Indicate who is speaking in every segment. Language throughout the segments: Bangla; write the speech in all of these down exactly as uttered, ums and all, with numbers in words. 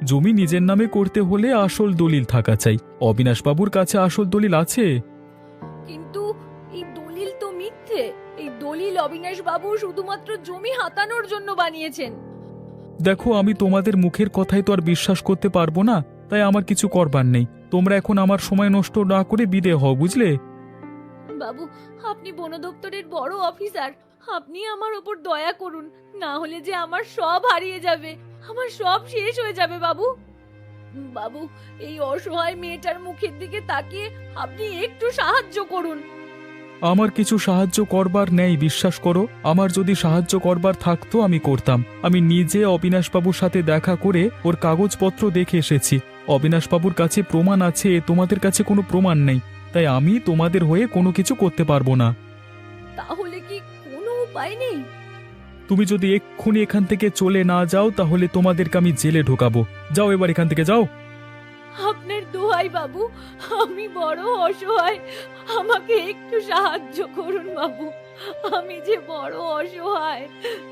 Speaker 1: জমি নিজের নামে করতে হলে আসল দলিল থাকা চাই। অবিনাশবাবুর কাছে আসল দলিল আছে?
Speaker 2: কিন্তু এই দলিল তো মিথ্যে। এই দলিল অবিনাশ বাবু শুধুমাত্র জমি হাতানোর জন্য বানিয়েছেন।
Speaker 1: দেখো, আমি তোমাদের মুখের কথাই তো আর বিশ্বাস করতে পারবো না, তাই আমার কিছু করবার নেই। তোমরা এখন আমার সময় নষ্ট না করে বিদে হও, বুঝলে?
Speaker 2: বাবু, আপনি বন দপ্তরের বড় অফিসার, আপনি আমার ওপর দয়া করুন, না হলে যে আমার সব হারিয়ে যাবে, আমার সব শেষ হয়ে যাবে। বাবু বাবু এই অসহায় মেয়েটার মুখের দিকে তাকিয়ে আপনি একটু সাহায্য করুন।
Speaker 1: আমার কিছু সাহায্য করবার নেই, বিশ্বাস করো। আমার যদি সাহায্য করবার থাকতো আমি করতাম। আমি নিজে অবিনাশবাবুর সাথে দেখা করে ওর কাগজপত্র দেখে এসেছি। অবিনাশবাবুর কাছে প্রমাণ আছে, তোমাদের কাছে কোনো প্রমাণ নেই, তাই আমি তোমাদের হয়ে কোনো কিছু করতে পারবো না।
Speaker 2: তাহলে কি কোনো উপায় নেই?
Speaker 1: তুমি যদি এক্ষুনি এখান থেকে চলে না যাও তাহলে তোমাদেরকে আমি জেলে ঢোকাবো। যাও এবার এখান থেকে যাও।
Speaker 2: আপনার দোহাই বাবু, আমি বড় অসহায়, আমাকে একটু সাহায্য করুন বাবু, আমি যে বড় অসহায়।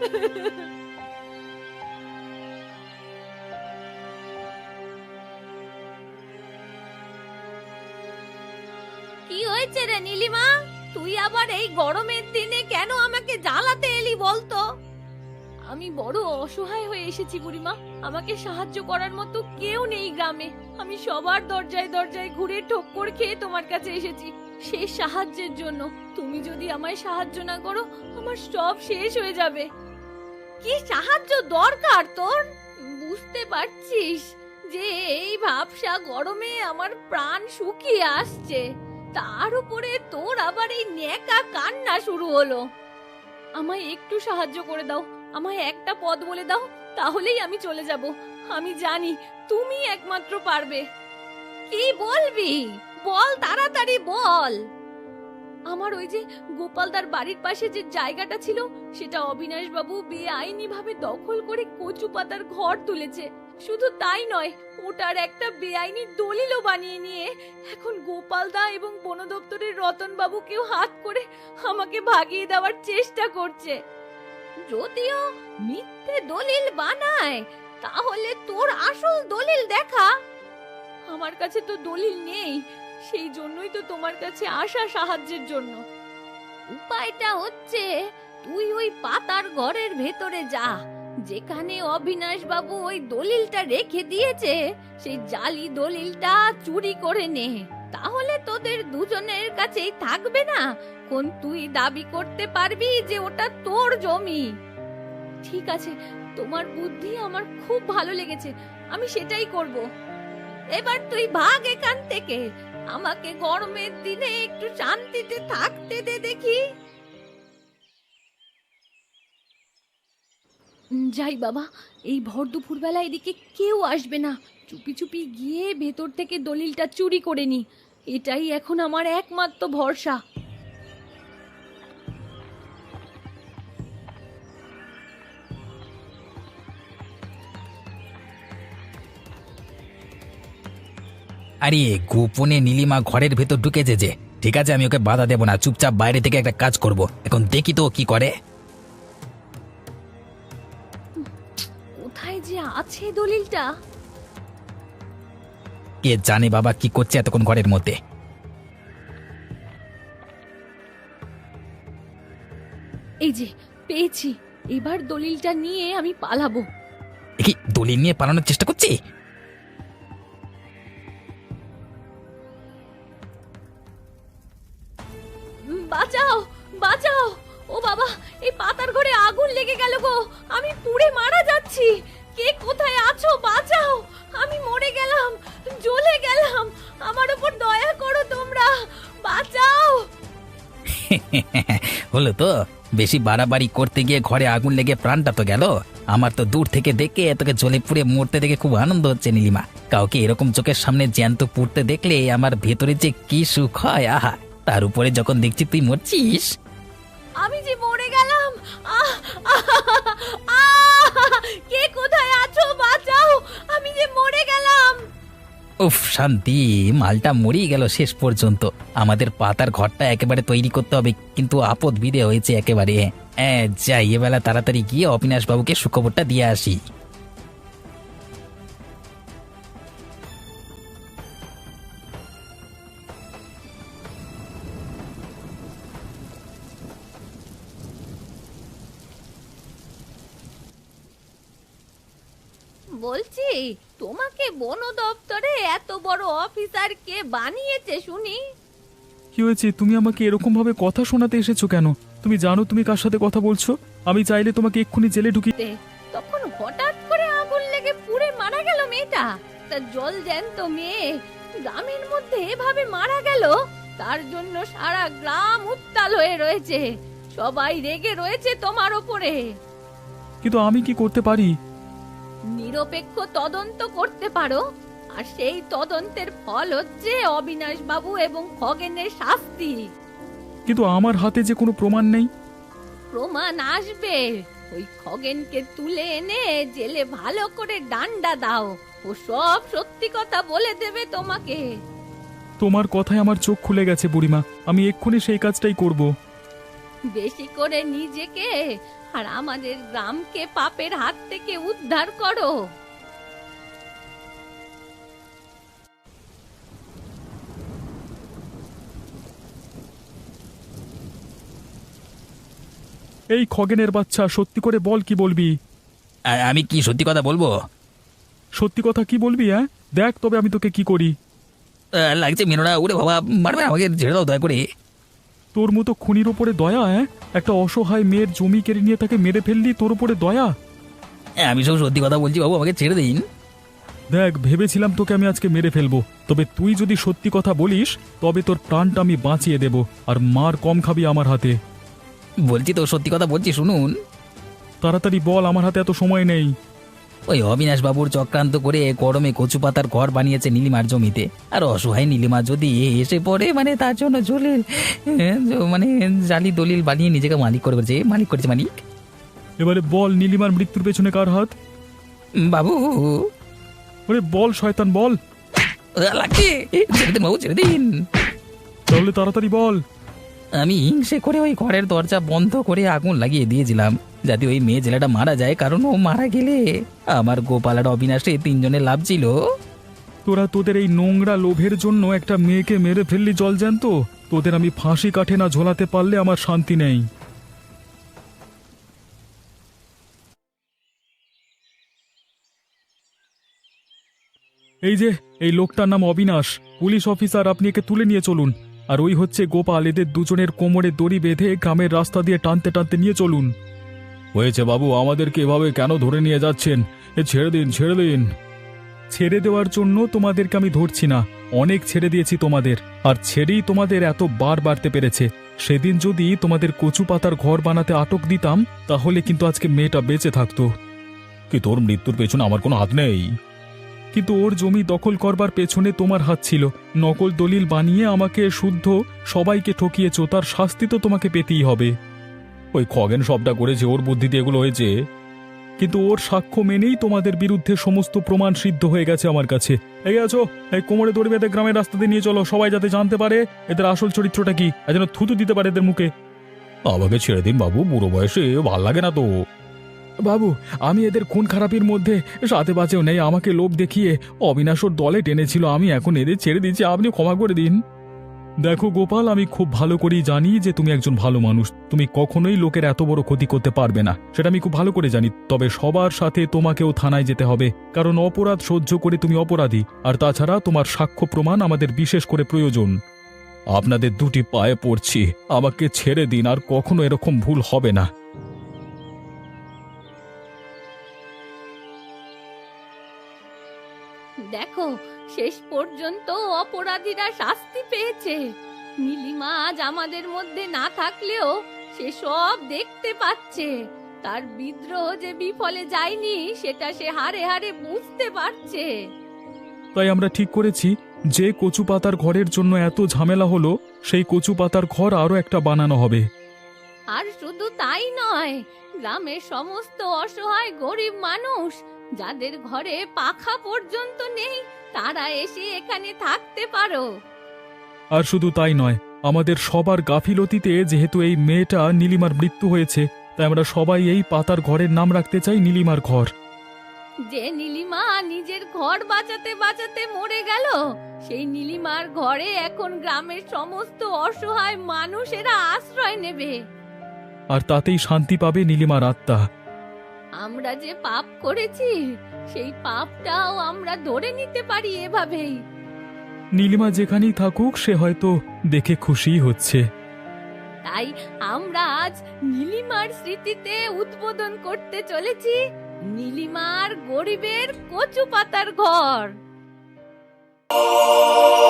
Speaker 2: কি হয়েছে রে নীলিমা? তুই আবার এই গরমের দিনে কেন আমাকে জ্বালাতে এলি বলতো? আমি বড় অসহায় হয়ে এসেছি বুড়িমা, আমাকে সাহায্য করার মতো কেউ নেই গ্রামে। আমি সবার দরজায় দরজায় ঘুরে ঠক্কর খেয়ে তোমার কাছে এসেছি সেই সাহায্যের জন্য। তুমি যদি আমায় সাহায্য না করো আমার সব শেষ হয়ে যাবে। কি সাহায্য দরকার তোর? বুঝতে পারছিস যে এই ভাবসা গরমে আমার প্রাণ শুকিয়ে আসছে, তার উপরে তোর আবার এই নেকা কান্না শুরু হলো। আমায় একটু সাহায্য করে দাও, আমায় একটা পথ বলে দাও, তাহলেই আমি চলে যাব। আমি জানি তুমি একমাত্র পারবে। কি বলবি বল, তাড়াতাড়ি বল। আমার ওই যে গোপালদার বাড়ির পাশে যে জায়গাটা ছিল সেটা অবিনাশ বাবু বেআইনি ভাবে দখল করে কচু পাতার ঘর তুলেছে। শুধু তাই নয়, ওটার একটা বেআইনি দলিলও বানিয়ে নিয়ে এখন গোপালদা এবং বন দপ্তরের রতন বাবুকেও হাত করে আমাকে ভাগিয়ে দেওয়ার চেষ্টা করছে। যদিও মিথ্যে দলিল বানায়, তাহলে তোর আসল দলিল দেখা। আমার কাছে তো দলিল নেই, সেই জন্যই তো তোমার কাছে আসা সাহায্যের জন্য। উপায়টা হচ্ছে তুই ওই পাতার ঘরের ভেতরে যা, যেখানে অবিনাশ বাবু ওই দলিলটা রেখে দিয়েছে, সেই জালি দলিলটা চুরি করে নে। তাহলে তোদের দুজনের কাছেই থাকবে না, কোন তুই দাবি করতে পারবি যে ওটা তোর জমি। ঠিক আছে, তোমার বুদ্ধি আমার খুব ভালো লেগেছে, আমি সেটাই করব। এবার তুই ভাগ এখান থেকে, আমাকে গরমের দিনে একটু শান্তিতে থাকতে দে দেখি। যাই বাবা, এই ভর দুপুর বেলা এদিকে কেউ আসবে না, চুপি চুপি গিয়ে ভেতর থেকে দলিলটা চুরি করে নি, এটাই এখন আমার একমাত্র ভরসা।
Speaker 3: আরে গোপনে নীলিমা ঘরের ভেতর ঢুকেছে যে। ঠিক আছে, আমি ওকে বাধা দেব না, চুপচাপ বাইরে থেকে একটা কাজ করব। এখন দেখি তো ও কি করে।
Speaker 2: কোথায় যে আছে দলিলটা?
Speaker 3: কে জানে বাবা কি করছে এতক্ষণ ঘরের মধ্যে।
Speaker 2: এই যে পেয়েছি, এবার দলিলটা নিয়ে আমি পালাবো।
Speaker 3: এ কি দলিল নিয়ে পালানোর চেষ্টা করছি?
Speaker 2: বাঁচাও বাঁচাও, ও বাবা, এই পাতার ঘরে আগুন লেগে গেল গো, আমি পুড়ে মারা যাচ্ছি। কে কোথায় আছো? বাঁচাও, আমি মরে গেলাম, জ্বলে গেলাম, আমার উপর দয়া করো তোমরা, বাঁচাও।
Speaker 3: হলো তো, বেশি বাড়াবাড়ি করতে গিয়ে ঘরে আগুন লেগে প্রাণটা তো গেল। আমার তো দূর থেকে দেখে তোকে জ্বলে পুড়ে মরতে দেখে খুব আনন্দ হচ্ছে নীলিমা। কাউকে এরকম চোখের সামনে জ্যান্ত পুড়তে দেখলে আমার ভেতরে যে কি সুখ হয়, আহা! তার উপরে যখন দেখছি তুই মরছিস।
Speaker 2: আমি যে মরে গেলাম, আহ, আহ, আহ, কে কোথায় আছো? বাঁচাও, আমি যে মরে গেলাম।
Speaker 3: উফ, শান্তি, মালটা মরেই গেল শেষ পর্যন্ত। আমাদের পাতার ঘরটা একেবারে তৈরি করতে হবে, কিন্তু আপদ বিদে হয়েছে একেবারে। হ্যাঁ, যাই এবেলা তাড়াতাড়ি গিয়ে অবিনাশ বাবুকে সুখবরটা দিয়ে আসি।
Speaker 2: বলছি, তোমাকে বন দপ্তরে এত বড় অফিসার কে বানিয়েছে শুনি?
Speaker 1: কি হয়েছে? তুমি আমাকে এরকম ভাবে কথা শোনাতে এসেছো কেন? তুমি জানো তুমি কার সাথে কথা বলছো? আমি চাইলে তোমাকে এক্ষুনি জেলে ঢুকি।
Speaker 2: তে, তখন হঠাৎ করে আগুন লেগে পুড়ে মারা গেল মেয়েটা। তার জল জ্যান্ত মেয়ে গ্রামের মধ্যে এভাবে মারা গেল, তার জন্য সারা গ্রাম উত্তাল হয়ে রয়েছে। সবাই রেগে রয়েছে তোমার ওপরে।
Speaker 1: কিন্তু আমি কি করতে পারি?
Speaker 2: নিরপেক্ষ তদন্ত করতে পারো, আর সেই তদন্তের ফল হচ্ছে অবিনাশ বাবু এবং খগেনের শাস্তি।
Speaker 1: কিন্তু আমার হাতে যে কোনো প্রমাণ নেই।
Speaker 2: প্রমাণ আসবে। ওই খগেনকে তুলে এনে জেলে ভালো করে ডান্ডা দাও, ও সব সত্যি কথা বলে দেবে তোমাকে।
Speaker 1: তোমার কথায় আমার চোখ খুলে গেছে বুড়িমা, আমি এক্ষুনি সেই কাজটাই করব।
Speaker 2: বেশি করে নিজেকে আর আমাদের গ্রামকে পাপের হাত থেকে উদ্ধার করো।
Speaker 1: এই খগেনের বাচ্চা, সত্যি করে বল, কি বলবি?
Speaker 3: আর আমি কি সত্যি কথা বলবো?
Speaker 1: সত্যি কথা কি বলবি? হ্যাঁ, দেখ তবে আমি তোকে কি করি।
Speaker 3: আহ, লাগছে মেনোরা, ওরে বাবা, মারবে আমাকে, ছেড়ে দাও দয়া করে।
Speaker 1: তোর মতো খুনির ওপরে দয়া? হ্যাঁ, একটা অসহায় মেয়ের জমি কেড়ে নিয়ে তাকে মেরে ফেললি, তোর উপরে দয়া?
Speaker 3: হ্যাঁ, আমি সব সত্যি কথা বলছি বাবু, আমাকে ছেড়ে দিন।
Speaker 1: দেখ, ভেবেছিলাম তোকে আমি আজকে মেরে ফেলবো, তবে তুই যদি সত্যি কথা বলিস তবে তোর প্রাণটা আমি বাঁচিয়ে দেব, আর মার কম খাবি আমার হাতে।
Speaker 3: বলছি তো সত্যি কথা বলছি, শুনুন।
Speaker 1: তাড়াতাড়ি বল, আমার হাতে এত সময় নেই।
Speaker 3: ওই অবিনাশ বাবুর চক্রান্ত করে গরমে কচু পাতার ঘর বানিয়েছে নীলিমার জমিতে, আর অসহায় নীলিমা যদি এসে পড়ে, মানে তার জন্য জলের মানে জালি দলিল বানিয়ে নিজেকে মালিক করে করেছে, মালিক করেছে মালিক।
Speaker 1: এবারে বল, নীলিমার মৃত্যুর পেছনে কার হাত?
Speaker 3: বাবু,
Speaker 1: ওরে বল শয়তান, বল।
Speaker 3: আহ, লাগছে, ছেড়ে দিন বাবু, ছেড়ে দিন।
Speaker 1: তাহলে তাড়াতাড়ি বল।
Speaker 3: আমি হিংসে করে ওই ঘরের দরজা বন্ধ করে আগুন লাগিয়ে দিয়েছিলাম, যাতে ওই মেয়ে ছেলেটা মারা যায়, কারণ ও মারা গেলে আমার গোপাল আর অবিনাশে তিনজনের লাভ ছিল।
Speaker 1: তোরা তোদের এই নোংরা লোভের জন্য একটা মেয়েকে মেরে ফেললি জল জ্যান্ত। তোদের আমি ফাঁসি কাঠে না ঝোলাতে পারলে আমার শান্তি নেই। এই যে, এই লোকটার নাম অবিনাশ, পুলিশ অফিসার, আপনি একে তুলে নিয়ে চলুন। আর ওই হচ্ছে গোপাল, এদের দুজনের কোমরে দড়ি বেঁধে গ্রামের রাস্তা দিয়ে টানতে টানতে নিয়ে চলুন। হয়েছে বাবু, আমাদেরকে এভাবে কেন ধরে নিয়ে যাচ্ছেন? এ ছেড়ে দিন, ছেড়ে দিন। ছেড়ে দেওয়ার জন্য তোমাদেরকে আমি ধরছি না, অনেক ছেড়ে দিয়েছি তোমাদের, আর ছেড়েই তোমাদের এত বার বাড়তে পেরেছে। সেদিন যদি তোমাদের কচু পাতার ঘর বানাতে আটক দিতাম, তাহলে কিন্তু আজকে মেয়েটা বেঁচে থাকতো। কি তোর মৃত্যুর পেছনে আমার কোনো হাত নেই? কিন্তু ওর জমি দখল করবার পেছনে তোমার হাত ছিল। নকল দলিল বানিয়ে আমাকে শুদ্ধ সবাইকে ঠকিয়েছ, তার শাস্তি তো তোমাকে পেতেই হবে। ওই খগেন সবটা করেছে, ওর বুদ্ধিতে এগুলো হয়েছে। কিন্তু ওর সাক্ষ্য মেনেই তোমাদের বিরুদ্ধে সমস্ত প্রমাণ সিদ্ধ হয়ে গেছে আমার কাছে। এই আছো, এই কোমরে দড়ি বেঁধে গ্রামের রাস্তা দিয়ে নিয়ে চলো, সবাই যাতে জানতে পারে এদের আসল চরিত্রটা কি, আর যেন থুতু দিতে পারে এদের মুখে। আমাকে ছেড়ে দিন বাবু, বুড়ো বয়সে ভাল লাগে না তো। বাবু, আমি এদের খুন খারাপির মধ্যে সাথে বাঁচেও নেই, আমাকে লোভ দেখিয়ে অবিনাশর দলে টেনেছিল, আমি এখন এদের ছেড়ে দিচ্ছি, আপনি ক্ষমা করে দিন। দেখো গোপাল, আমি খুব ভালো করেই জানি যে তুমি একজন ভালো মানুষ, তুমি কখনোই লোকের এত বড় ক্ষতি করতে পারবে না, সেটা আমি খুব ভালো করে জানি। তবে সবার সাথে তোমাকেও থানায় যেতে হবে, কারণ অপরাধ সহ্য করে তুমি অপরাধী, আর তাছাড়া তোমার সাক্ষ্য প্রমাণ আমাদের বিশেষ করে প্রয়োজন। আপনাদের দুটি পায়ে পড়ছি, আমাকে ছেড়ে দিন, আর কখনো এরকম ভুল হবে না।
Speaker 2: দেখো, শেষ পর্যন্ত অপরাধীরা শাস্তি পেয়েছে। নীলিমা আজ আমাদের মধ্যে না থাকলেও সে সব দেখতে পাচ্ছে। তার বিদ্রোহ যে বিফলে যায়নি সেটা সে হারে হারে বুঝতে পারছে।
Speaker 1: তাই আমরা ঠিক করেছি, যে কচু পাতার ঘরের জন্য এত ঝামেলা হলো, সেই কচু পাতার ঘর আরো একটা বানানো হবে।
Speaker 2: আর শুধু তাই নয়, গ্রামের সমস্ত অসহায় গরিব মানুষ যাদের ঘরে পাখা পর্যন্ত নেই, তারা এসে এখানে থাকতে পারো।
Speaker 1: আর শুধু তাই নয়, আমাদের সবার গাফিলতিতে যেহেতু এই মেয়েটা নীলিমার মৃত্যু হয়েছে, তাই আমরা সবাই এই পাতার ঘরের নাম রাখতে চাই নীলিমার ঘর।
Speaker 2: যে নীলিমা নিজের ঘর বাঁচাতে বাঁচাতে মরে গেল, সেই নীলিমার ঘরে এখন গ্রামের সমস্ত অসহায় মানুষেরা আশ্রয় নেবে।
Speaker 1: আর তাতেই শান্তি পাবে নীলিমার আত্মা।
Speaker 2: আমরা যে পাপ করেছি সেই পাপটাও আমরা ধরে নিতে পারি এভাবেই।
Speaker 1: নীলিমা যেখানেই থাকুক সে হয়তো দেখে খুশিই হচ্ছে।
Speaker 2: তাই আমরা আজ নীলিমার স্মৃতিতে উদ্বোধন করতে চলেছি নীলিমার গরিবের কচু পাতার ঘর।